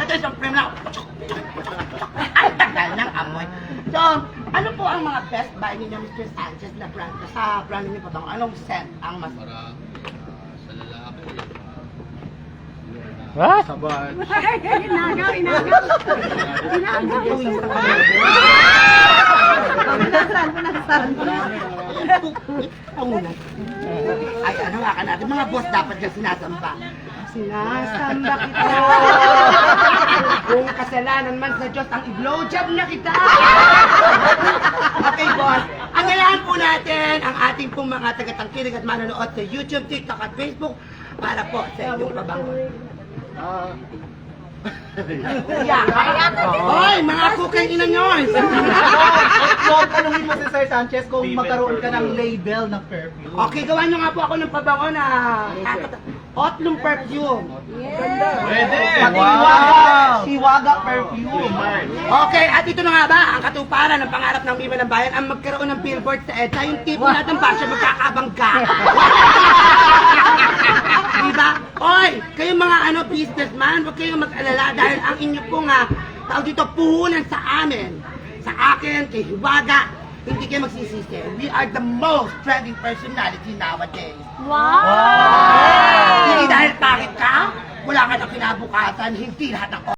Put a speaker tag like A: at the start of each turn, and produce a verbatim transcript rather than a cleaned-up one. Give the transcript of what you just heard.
A: natin sa frame na. Ang tagal ng amoy. So, ano po ang mga best buy ninyo, Mister Sanchez, na brand? Sa brand ninyo pa bang anong scent ang mas...
B: Para sa lalaki.
C: What?
B: Sabat.
D: Inagaw, inagaw. Inagaw. Punasan, punasan.
A: Pangunan. Ay, ano nga ka natin? Mga boss dapat dyan sinasamba. Sinasamba kita. Kung kasalanan man sa Diyos, ang i-blowjob na kita. Okay, boss. Ang gayaan po natin ang ating pong mga tagatangkilig at manonood sa YouTube, TikTok at Facebook para po sa inyong pabangon.
B: Ah.
A: Yeah. Hoy, mga kukay ina nyo!
C: So, tanungin mo si Sir Sanchez kung magkaroon ka ng label ng perfume.
A: Okay, gawa nyo nga po ako ng pabango na Otlum perfume.
B: Pwede!
C: Pati Hiwaga, Hiwaga perfume.
A: Okay, at ito na nga ba ang katuparan ng pangarap ng Viva ng Bayan ang magkaroon ng billboard sa EDSA, yung tipo natin ba siya magkakabangga. Diba? Oy, kayong mga ano businessman, huwag kayong mag-alala dahil ang inyo pong nga, tao dito puhunan sa amin, sa akin, kay Hiwaga, hindi kayo magsisisi. We are the most trending personality nowadays.
D: Wow!
A: Hindi dahil pangit ka, wala ka ng kinabukasan, hindi lahat ng